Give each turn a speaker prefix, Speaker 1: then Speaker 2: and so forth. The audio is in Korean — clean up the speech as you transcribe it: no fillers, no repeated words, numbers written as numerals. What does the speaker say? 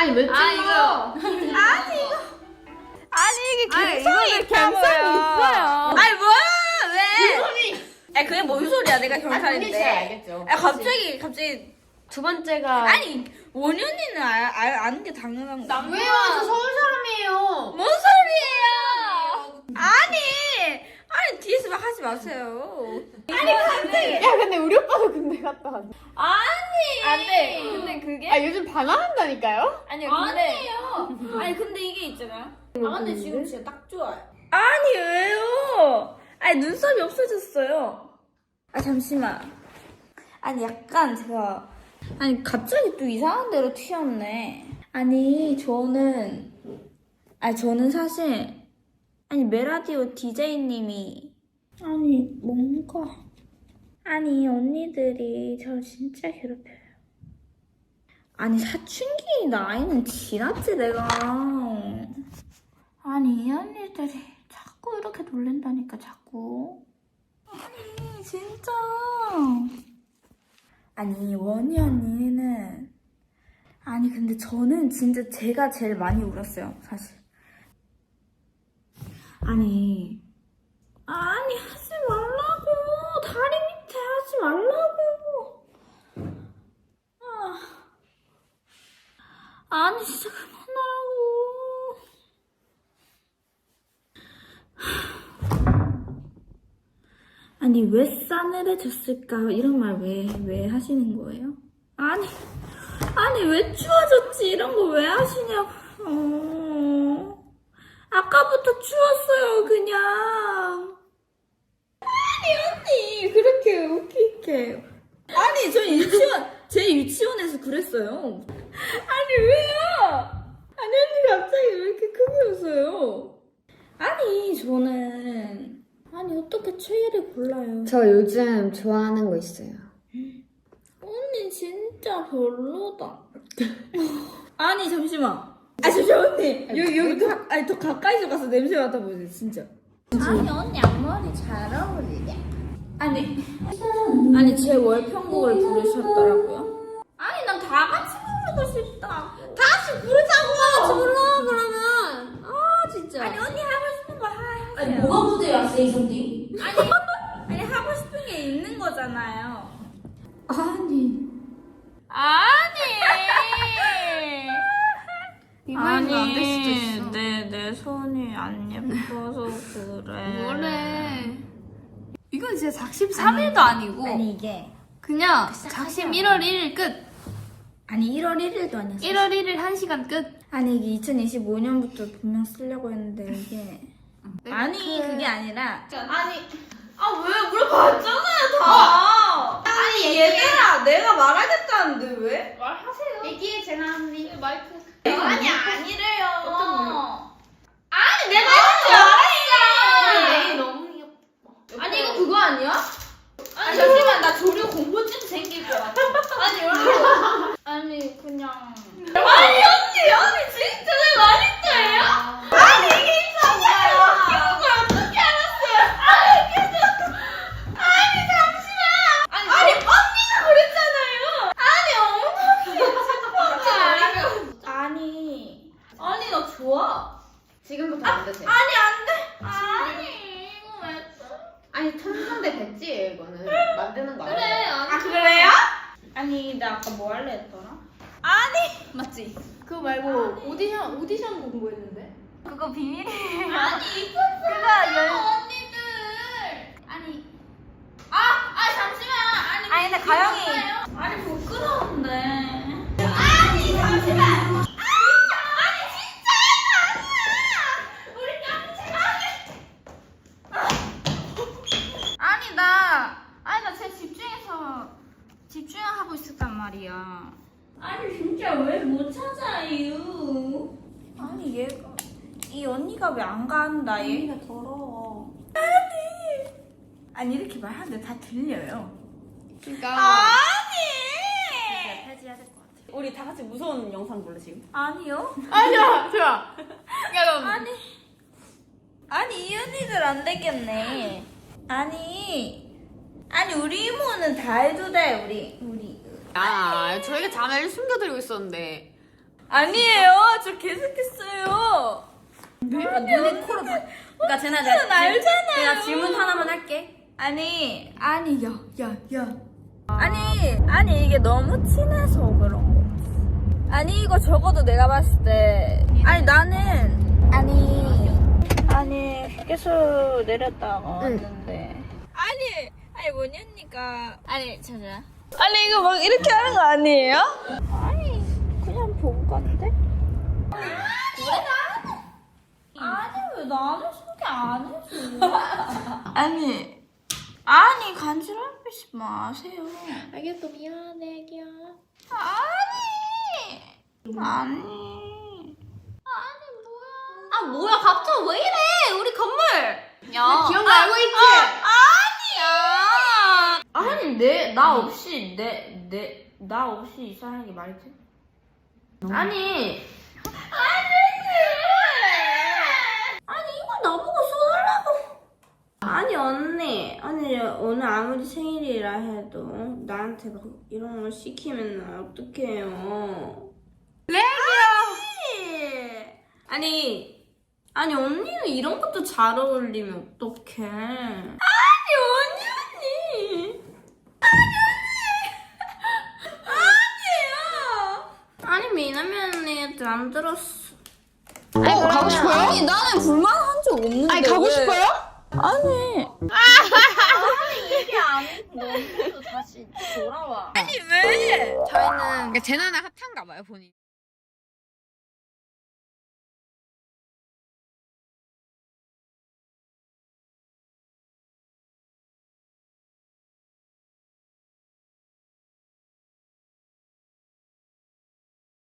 Speaker 1: 아니 왜 찍어?
Speaker 2: 아니 이게
Speaker 3: 아니,
Speaker 2: 갬성이
Speaker 3: 이거는
Speaker 2: 있다고요.
Speaker 3: 갬성이 있어요.
Speaker 2: 아니 뭐야 왜?
Speaker 1: 소리.
Speaker 2: 아 그게 뭔 소리야? 내가
Speaker 1: 아니 본인이 잘
Speaker 2: 경찰인데.
Speaker 1: 알겠죠.
Speaker 2: 아 갑자기
Speaker 3: 두 번째가
Speaker 2: 아니 원현이는 아는 게 당연한 거.
Speaker 1: 왜요? 저 서울 사람이에요.
Speaker 2: 뭔 소리예요? 아니 뒤에서 막 하지 마세요.
Speaker 3: 야 근데 우리 오빠도 군대 갔다 왔네.
Speaker 2: 안돼. 근데 그게
Speaker 3: 아 요즘 반항한다니까요?
Speaker 2: 아니요 근데 아니 근데 이게 있잖아요.
Speaker 1: 아 근데 지금 진짜 딱 좋아요.
Speaker 2: 아니 왜요? 아니 눈썹이 없어졌어요. 아 잠시만. 아니 약간 제가 아니 갑자기 또 이상한 데로 튀었네. 아니 저는 사실 아니 메라디오 DJ님이 아니 뭔가 아니 언니들이 저 진짜 괴롭혀요. 아니 사춘기 나이는 지났지 내가. 아니 이 언니들이 자꾸 이렇게 놀랜다니까 자꾸. 아니 진짜. 아니 원희 언니는 아니 근데 저는 진짜 제가 제일 많이 울었어요 사실. 아니 하지 말라고. 다리 밑에 하지 말라고. 아니 진짜 그만하라고. 아니 왜 싸늘해졌을까 이런 말 왜 하시는 거예요? 아니 왜 추워졌지 이런 거 왜 하시냐고. 아까부터 추웠어요 그냥. 아니 언니 그렇게 웃기게. 아니 저 제 유치원에서 그랬어요. 아니 왜요? 아니 언니 갑자기 왜 이렇게 크게 웃어요? 아니 저는 아니 어떻게 최애를 골라요?
Speaker 1: 저 요즘 좋아하는 거 있어요.
Speaker 2: 언니 진짜 별로다. 아니 잠시만. 잠시만 언니. 여기 더 가까이서 가서 냄새 맡아보세요 진짜. 아니 언니 앞머리 잘 어울리게. 아니 제 월평곡을 부르셨더라고요. 아니 난 다 같이 부르고 싶다. 다 같이 부르자고.
Speaker 1: 몰라 그러면. 아 진짜.
Speaker 2: 아니 언니 하고 싶은 거 하세요.
Speaker 1: 아니 뭐가 문제야 세이선디?
Speaker 2: 아니 하고 싶은 게 있는 거잖아요.
Speaker 3: 이만희가 안될 수도 있어.
Speaker 2: 내 손이 안 예뻐서 그래.
Speaker 3: 뭐래? 이건 진짜 작심 3일도 아니고
Speaker 2: 아니 이게
Speaker 3: 그냥 작심 1월 1일 끝.
Speaker 2: 아니 1월 1일도 아니었어.
Speaker 3: 1월 1일 1시간 끝.
Speaker 2: 아니 이게 2025년부터 분명 쓰려고 했는데 이게 아니 그게 아니라 왜 물어봤잖아요 다. 아니 얘들아 내가 말하겠다는데 왜?
Speaker 3: 말하세요.
Speaker 1: 얘기해 제나 언니.
Speaker 3: 마이크.
Speaker 2: 아니 아니래요.
Speaker 3: 어떤 걸로?
Speaker 2: 아니 내가 했지.
Speaker 1: 내일 너무 귀엽다.
Speaker 3: 아니 이거 그거 아니야?
Speaker 2: 아니 잠시만 나 조류 공포증 생길 것 같아. 아니 여러분. 아니 그냥. 아니 진짜 내 말인데요? 아니 이게 이상해요. 웃기는 걸 어떻게 알았어요? 아니 잠시만. 아니 언니가 그랬잖아요. 아니 나 좋아.
Speaker 1: 지금부터 안 되세요.
Speaker 2: 아니 안 돼. 아니 이거 왜?
Speaker 1: 아니 천상대 배지예요 이거는. 만드는 거
Speaker 3: 그래.
Speaker 1: 알아요?
Speaker 2: 그래요? 아니 나 아까 뭐 할래 했더라?
Speaker 3: 맞지? 그거 말고 오디션 공부했는데?
Speaker 2: 그거 비밀이에요. 아니 그거 언니들. 아니 잠시만. 아니 근데 가영이. 아니 부끄러운데. 아니 잠시만. 아니 진짜 아니야. 우리 깜짝이야. 아니 나 제 집중하고 있었단 말이야. 아니 진짜 왜 못 찾아요? 아니 얘가 이 언니가 왜 안 간다? 얘가 더러워. 아니 이렇게 말하는데 다 들려요.
Speaker 3: 그러니까
Speaker 2: 아니.
Speaker 1: 폐지해야 될 것 같아.
Speaker 4: 우리 다 같이 무서운 영상 볼래 지금?
Speaker 2: 아니요.
Speaker 3: 좋아. 야 그럼
Speaker 2: 아니 이 언니들 안 되겠네. 아니 우리 이모는 다 해도 돼 우리.
Speaker 1: 아 저희가 자매를 숨겨드리고 있었는데.
Speaker 2: 아니에요. 저 계속했어요.
Speaker 4: 눈에 코로 그러니까 쟤네
Speaker 2: 전 알잖아요.
Speaker 4: 내가 질문 하나만 할게.
Speaker 2: 아니, 야. 아니, 이게 너무 친해서 그런 거지. 아니, 이거 적어도 내가 봤을 때. 아니, 나는. 아니, 휴게소 내렸다가 왔는데. 아니, 뭐니 언니가. 아니, 잠시만. 아니, 이거 막 이렇게 하는 거 아니에요? 아니, 그냥 보고 갔는데? 아니, 왜 나는 소개 안 해줘? 아니, 간지럽히지 마세요.
Speaker 1: 알겠어, 미안해, 애기야.
Speaker 2: 아니.
Speaker 4: 아 뭐야 갑자기 왜 이래? 우리 건물. 야.
Speaker 1: 기억 나고 있지?
Speaker 2: 아니야. 아니, 나 없이, 나 없이 이사하는 게 말이 돼? 아니, 이거 나보고 써달라고. 아니, 언니, 오늘 아무리 생일이라 해도 나한테 막 이런 걸 시키면 어떡해요? 아니, 언니는 이런 것도 잘 어울리면 어떡해? 언니! 아니, 미나미 언니한테 안 들었어.
Speaker 1: 가고 싶어요?
Speaker 2: 아니, 나는 불만한 적 없는데.
Speaker 1: 아니, 가고
Speaker 2: 왜?
Speaker 1: 싶어요?
Speaker 2: 아니.
Speaker 4: 이게 아니고 너도 다시 돌아와.
Speaker 2: 아니, 왜?
Speaker 1: 저희는 제 나나 핫한가 봐요, 본인.